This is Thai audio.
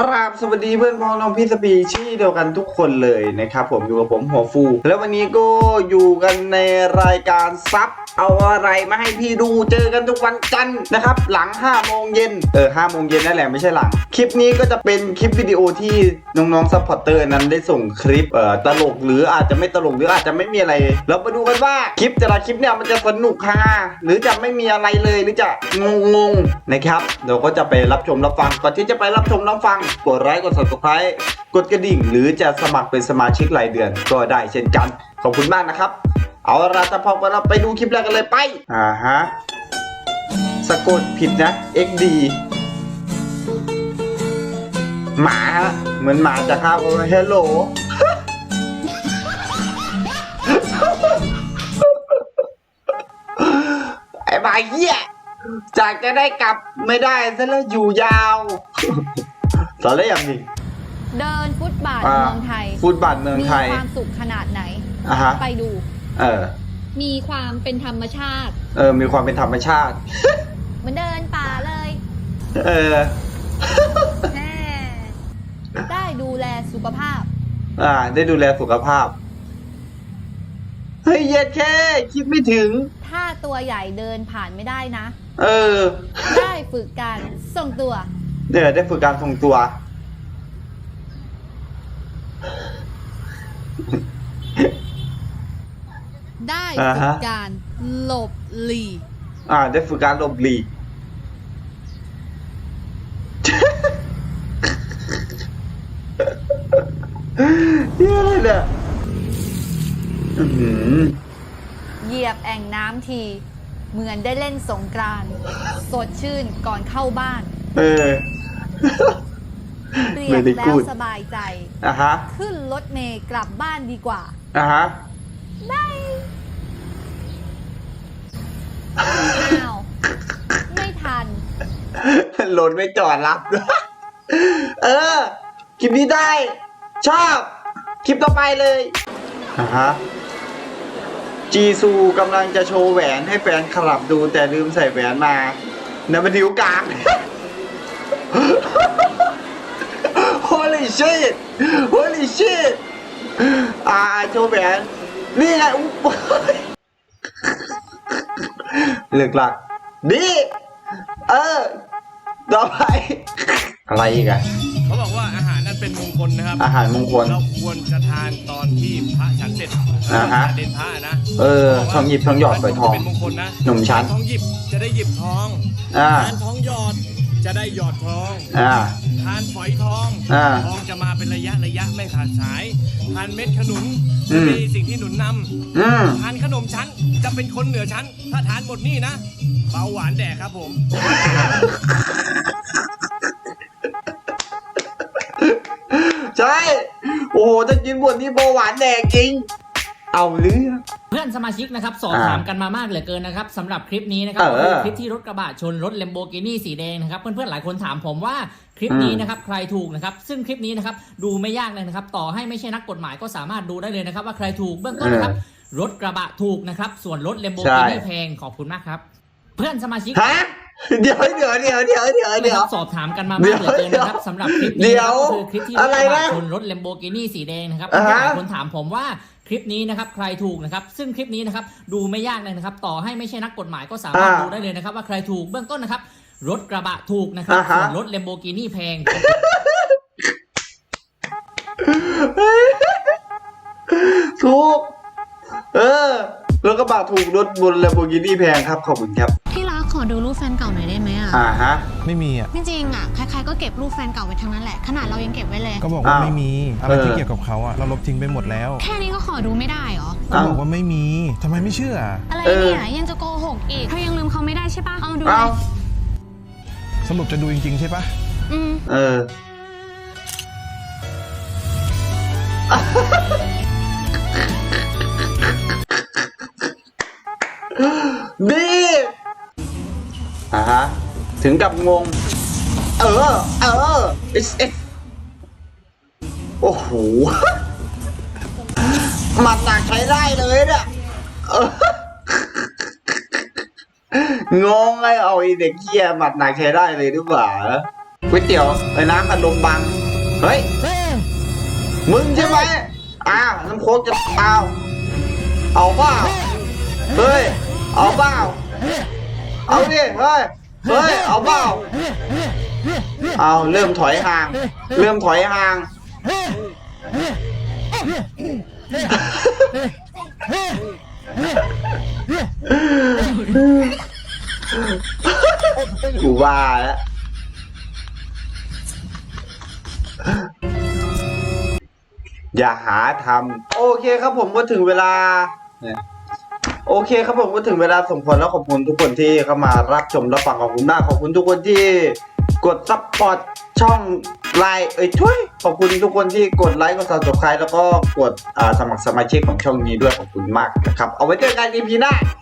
ครับสวัสดีเพื่อนพ้องน้องพี่สปีชี่เดียวกันทุกคนเลยนะครับผมอยู่กับผมหัวฟูแล้ววันนี้ก็อยู่กันในรายการซับเอาอะไรมาให้พี่ดูเจอกันทุกวันจันทร์นะครับหลัง5 โมงเย็น5 โมงเย็นนั่นแหละไม่ใช่หลังคลิปนี้ก็จะเป็นคลิปวิดีโอที่น้องๆซัพพอร์เตอร์นั้นได้ส่งคลิปตลกหรืออาจจะไม่ตลกหรืออาจจะไม่มีอะไรเรามาดูกันว่าคลิปแต่ละคลิปเนี่ยมันจะสนุกฮาหรือจะไม่มีอะไรเลยหรือจะงงๆนะครับเราก็จะไปรับชมรับฟังก่อนที่จะไปรับชมรับฟังกดไลค์กด Subscribe กดกระดิ่งหรือจะสมัครเป็นสมาชิกรายเดือนก็ได้เช่นกันขอบคุณมากนะครับเอาละจะพอเราไปดูคลิปแรกกันเลยไปฮะสะกดผิดนะ XD หมาฮะเหมือนหมาจะครับเฮลโหล ไอ้บ่ายเหี้ยจากจะได้กลับไม่ได้ซะแล้วอยู่ยาวสอนแล้วอย่างนี้เดินฟุตบาทเมืองไทยฟุตบาทเมืองไทยมีความสุขขนาดไหนไปดูมีความเป็นธรรมชาติมีความเป็นธรรมชาติเหมือนเดินป่าเลยได้ดูแลสุขภาพได้ดูแลสุขภาพเฮ้ยเย็ดแค่คิดไม่ถึงถ้าตัวใหญ่เดินผ่านไม่ได้นะได้ฝึกการทรงตัวได้ฝึกการทรงตัวได้ฝึกการหลบหลีกได้ฝึกการหลบหลีกนี่อะไรเนี่ยเหยียบแอ่งน้ำทีเหมือนได้เล่นสงกรานต์สดชื่นก่อนเข้าบ้านเรียบแล้วสบายใจขึ้นรถเมล์กลับบ้านดีกว่าได้อ้าวไม่ทันรถไม่จอดรับคลิปนี้ได้ชอบคลิปต่อไปเลยจีซูกำลังจะโชว์แหวนให้แฟนคลับดูแต่ลืมใส่แหวนมาในบันทิวกลาง Holy shit Holy shit โชว์แหวนนี่ไงเลือกหลักดีต่อไปอะไรอีกอะเขาบอกว่าอาหารนั้นเป็นมงคลนะครับอาหารมงคลเราควรจะทานตอนที่พระฉันเสร็จเด่นพระนะทองหยิบทองหยอดฝอยทองเป็นมงคลนะหนุ่มชั้นทองหยิบจะได้หยิบทองทานทองหยอดจะได้หยอดทองทานฝอยทองทองจะมาเป็นระยะไม่ขาดสายทานเม็ดขนุนมีสิ่งที่หนุนนำทานขนมชั้นจะเป็นคนเหนือชั้นถ้าทานหมดนี่นะเบาหวานแดกครับผมใช่โอ้โหถ้ากินบนนี้เบาหวานแดกจริงเอาเรื่องเพื่อนสมาชิกนะครับสอบถามกันมามากเหลือเกินนะครับสำหรับคลิปนี้นะครับคลิปที่รถกระบะชนรถ Lamborghini สีแดงนะครับเพื่อนๆหลายคนถามผมว่าคลิปนี้นะครับใครถูกนะครับซึ่งคลิปนี้นะครับดูไม่ยากเลยนะครับต่อให้ไม่ใช่นักกฎหมายก็สามารถดูได้เลยนะครับว่าใครถูกเบื้องต้นนะครับรถกระบะถูกนะครับส่วนรถ Lamborghini แพงขอบคุณมากครับเพื่อนสมาชิกเดี๋ยวสอบถามกันมามากเหลือเกินนะครับสำหรับคลิปนี้ก็คือคลิปที่รถกระบะชนรถ Lamborghini สีแดงนะครับหลายคนถามผมว่าคลิปนี้นะครับใครถูกนะครับซึ่งคลิปนี้นะครับดูไม่ยากเลยนะครับต่อให้ไม่ใช่นักกฎหมายก็สามารถดูได้เลยนะครับว่าใครถูกเบื้องต้นนะครับรถกระบะถูกนะครับส่วนรถ Lamborghini แพงถูกรถกระบะถูกรถบน Lamborghini แพงครับขอบคุณครับที่รักขอดูรูปแฟนเก่าหน่อยได้ไหมไม่มีจริงๆใครๆก็เก็บรูปแฟนเก่าไว้ทั้งนั้นแหละขนาดเรายังเก็บไว้เลยก็บอกว่าไม่มีอะไรที่เกี่ยวกับเขาเราลบทิ้งไปหมดแล้วแค่นี้ก็ขอดูไม่ได้หรอก็บอกว่าไม่มีทำไมไม่เชื่ออะไรเนี่ยยังจะโกหกอีกเธอยังลืมเขาไม่ได้ใช่ปะเอาดูเลยสรุปจะดูจริงๆใช่ปะดีถึงกับงงโอ้โหหมัดหนักใช้ได้เลยเนี่ยงงไงเอาไอเด็กเหี้ยหมัดหนักใช้ได้เลยหรือเปล่าก๋วยเตี๋ยวไอ้น้ำอัดลมบังเฮ้ยมึงใช่ไหมน้ำโค้กจะเอาเปล่าเฮ้ยเอาเปล่าเอาดิเฮ้ยเอาเปล่าเอาเริ่มถอยห่างกูว่าแล้วอย่าหาทำโอเคครับผมก็ถึงเวลาโอเคครับผมก็ถึงเวลาสมควรแล้วขอบคุณทุกคนที่เข้ามารับชมรับฟังขอบคุณมากขอบคุณทุกคนที่กดซัพพอร์ตช่องไลน์ขอบคุณทุกคนที่กดไลค์กดซับสไครต์แล้วก็กดสมัครสมาชิกของช่องนี้ด้วยขอบคุณมากนะครับเอาไว้เจอกัน EP หน้า